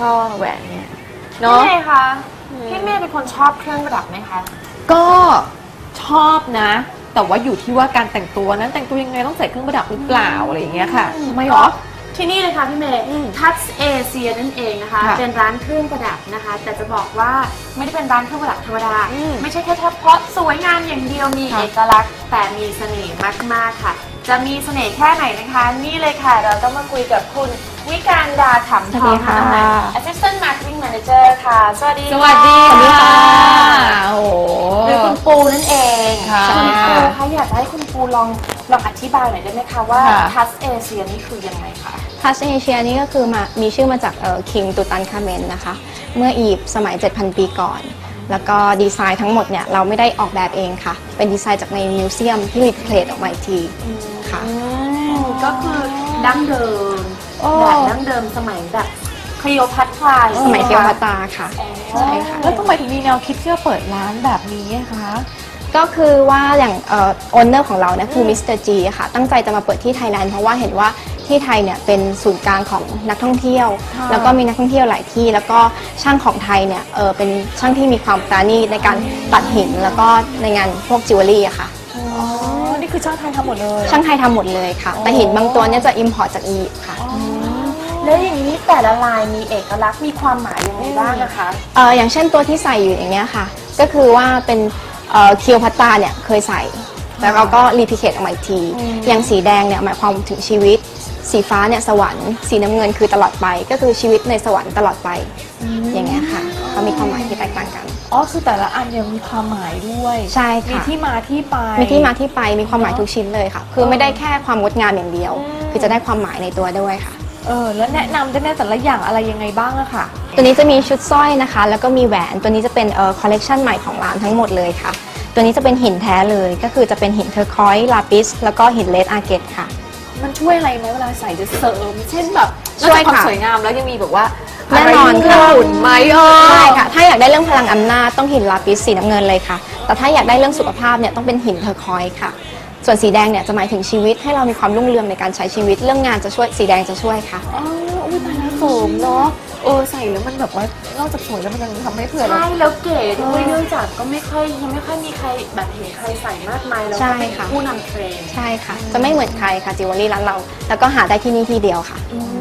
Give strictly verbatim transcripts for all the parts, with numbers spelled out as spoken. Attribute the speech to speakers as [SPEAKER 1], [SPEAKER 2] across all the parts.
[SPEAKER 1] ช่อแหวนเนี่ยเนาะ
[SPEAKER 2] พี่เมย์คะพี่เมย์เป็นคนชอบเครื่องประดับไหมคะ
[SPEAKER 1] ก็ชอบนะแต่ว่าอยู่ที่ว่าการแต่งตัวนั้นแต่งตัวยังไงต้องใส่เครื่องประดับหรือเปล่าอะไรอย่างเงี้ยค่ะทำไมหรอ
[SPEAKER 2] ที่นี่เลยค่ะพี่เมย์ Touch Asia นั่นเองนะคะเป็นร้านเครื่องประดับนะคะแต่จะบอกว่าไม่ได้เป็นร้านเครื่องประดับธรรมดาไม่ใช่แค่เฉพาะสวยงามอย่างเดียวมีเอกลักษณ์แต่มีเสน่ห์มากๆค่ะจะมีเสน่ห์แค่ไหนนะคะนี่เลยค่ะเราต้องมาคุยกับคุณวิการดาถำทองค่ะ Assistant Marketing Manager ค่ะสวัสดี
[SPEAKER 1] สวัสดีค่ะโอ้โห
[SPEAKER 2] หรือคุณปูนั่นเอง
[SPEAKER 1] ค่ะ
[SPEAKER 2] คุณปูคะอยากให้คุณปูลองลองอธิบายหน่อยได้ไหมคะว่า Touch Asia นี่คือยังไงคะ
[SPEAKER 3] ทัชเอเชียนี่ก็คือมามีชื่อมาจากคิงตูตันคาเมนนะคะเมื่ออียิปต์สมัย เจ็ดพัน ปีก่อน แล้วก็ดีไซน์ทั้งหมดเนี่ยเราไม่ได้ออกแบบเองค่ะเป็นดีไซน์จากในมิวเซียมที่รีเพลทออกมาอีกทีค่ะ
[SPEAKER 2] ก็คือดั้งเดิมแบบดั้งเดิมสมัยแบบคลีโอพัตรา
[SPEAKER 3] สมัยเทวตาค่ะใช่ค่ะ
[SPEAKER 1] แล้วทำไมถึงมีแนวคิดที่จะเปิดร้านแบบนี้คะ
[SPEAKER 3] ก็คือว่าอย่างเอ่อโอนเนอร์ของเราเนี่ยคือมิสเตอร์จีค่ะตั้งใจจะมาเปิดที่ไทยแลนด์เพราะว่าเห็นว่าที่ไทยเนี่ยเป็นศูนย์กลางของนักท่องเที่ยวแล้วก็มีนักท่องเที่ยวหลายที่แล้วก็ช่างของไทยเนี่ยเออเป็นช่างที่มีความปราณีตในการตัดหินแล้วก็ในงานพวกจิวเวลรี่อะค่ะ
[SPEAKER 1] อ๋อนี่คือช่างไทยทำหมดเลย
[SPEAKER 3] ช่างไทยทำหมดเลยค่ะแต่หินบางตัวเนี่ยจะอิมพอร์ตจากอียิปต์ค่ะ
[SPEAKER 2] แล้วอย่างนี้แต่ละลายมีเอกลักษณ์มีความหมายยังไงบ้างนะคะ
[SPEAKER 3] เอออย่างเช่นตัวที่ใส่อยู่อย่างเนี้ยค่ะก็คือว่าเป็นเคียวพัตตาเนี่ยเคยใส่แล้วเราก็รีพิเคทออกมาอีกทีอย่างสีแดงเนี่ยหมายความถึงชีวิตสีฟ้าเนี่ยสวรรค์สีน้ำเงินคือตลอดไปก็คือชีวิตในสวรรค์ตลอดไปอย่างเงี้ยค่ะเขามีความหมายที่แตกต่างกัน
[SPEAKER 1] อ๋อคือแต่ละอันเนี่ยมีความหมายด้วย
[SPEAKER 3] ใช่ค่ะ
[SPEAKER 1] มีที่มาที่ไป
[SPEAKER 3] มีที่มาที่ไปมีความหมายทุกชิ้นเลยค่ะคือไม่ได้แค่ความงดงามอย่างเดียวคือจะได้ความหมายในตัวด้วยค่ะ
[SPEAKER 1] เออแล้วแนะนำได้ไหมแต่ละอย่างอะไรยังไงบ้างอะค่ะ
[SPEAKER 3] ตัวนี้จะมีชุดสร้อยนะคะแล้วก็มีแหวนตัวนี้จะเป็นเอ่อคอลเลกชันใหม่ของร้านทั้งหมดเลยค่ะตัวนี้จะเป็นหินแท้เลยก็คือจะเป็นหินเทอร์คอยส์ลาปิสแล้วก็หินเลดอาร์เกตค่ะ
[SPEAKER 1] มันช่วยอะไรไหมเวลาใส่จะเสริมเช่นแบบ
[SPEAKER 3] ช่วย
[SPEAKER 1] ความ
[SPEAKER 3] ค่ะ
[SPEAKER 1] สวยงามแล้วยังมีแบบว่า
[SPEAKER 3] แน่นอน
[SPEAKER 1] เครื่องหุ่นไหมเออ
[SPEAKER 3] ใช่ค่ะถ้าอยากได้เรื่องพลังอำนาจต้องหินลาปิสสีน้ำเงินเลยค่ะแต่ถ้าอยากได้เรื่องสุขภาพเนี่ยต้องเป็นหินเทอร์คอยส์ค่ะส่วนสีแดงเนี่ยจะหมายถึงชีวิตให้เรามีความรุ่งเรืองในการใช้ชีวิตเรื่องงานจะช่วยสีแดงจะช่วยค่ะ
[SPEAKER 1] อ๋ออุ้ยตายแล้วเสริมเนาะเออใส่แล้วมันแบบว่านอกจากสวยแล้วมันยังทำให้เผื่อเรา
[SPEAKER 2] ใช่แล้วเก๋ด้วยเนื่องจากก็ไม่ค่อยยังไม่ค่อยมีใครแบบเห็นใครใส่มากมายแล้วก็เป็นผู้นำเทรนด์
[SPEAKER 3] ใช่ค่ะจะไม่เหมือนใครค่ะจิวเวลรี่ร้านเราแล้วก็หาได้ที่นี่ที่เดียวค่ะ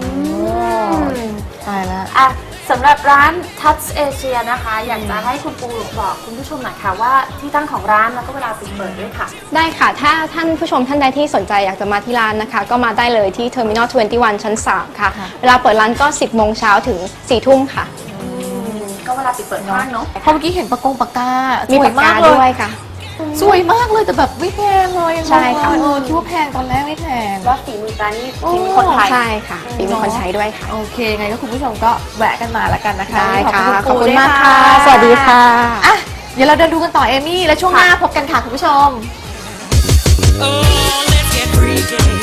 [SPEAKER 1] ตายแล้ว
[SPEAKER 2] อ่ะสำหรับร้าน Touch Asia นะคะอยากจะให้คุณปูบอกคุณผู้ชมหน่อยค่ะว่าที่ตั้งของร้านแล้วก็เวลาปิดเปิดด้วยค่ะ
[SPEAKER 3] ได้ค่ะถ้าท่านผู้ชมท่านใดที่สนใจอยากจะมาที่ร้านนะคะก็มาได้เลยที่ Terminal ยี่สิบเอ็ด ชั้น สาม ค่ะเวลาเปิดร้านก็ สิบโมงเช้าถึง สี่ทุ่มค่ะ
[SPEAKER 2] ก็เวลาปิดเปิดบ้างเนาะ
[SPEAKER 1] เพราะเมื่อกี้เห็นปากกงปากกา
[SPEAKER 3] มีปากกาด้วยค่ะ
[SPEAKER 1] สวยมากเลยแต่แบบไม่แพงเลย
[SPEAKER 3] ใช่ค่ะ
[SPEAKER 1] เออคิดว่าแพงตอนแรกไม่แพง
[SPEAKER 2] ว่าฝีมือการนี่ฝีมือคนไทย
[SPEAKER 3] ใช่ค่ะฝีมือคนไทยด้วยค่ะ
[SPEAKER 1] โอเคไงก็คุณผู้ชมก็แวะกันมาแล้วกันนะคะ
[SPEAKER 3] ได้ค่ะขอบ
[SPEAKER 1] คุ
[SPEAKER 3] ณมากค่ะสวัสดีค่ะ
[SPEAKER 1] อ่ะเดี๋ยวเราเดินดูกันต่อเอมี่แล้วช่วงหน้าพบกันค่ะคุณผู้ชม
[SPEAKER 4] Oh, let's get freaky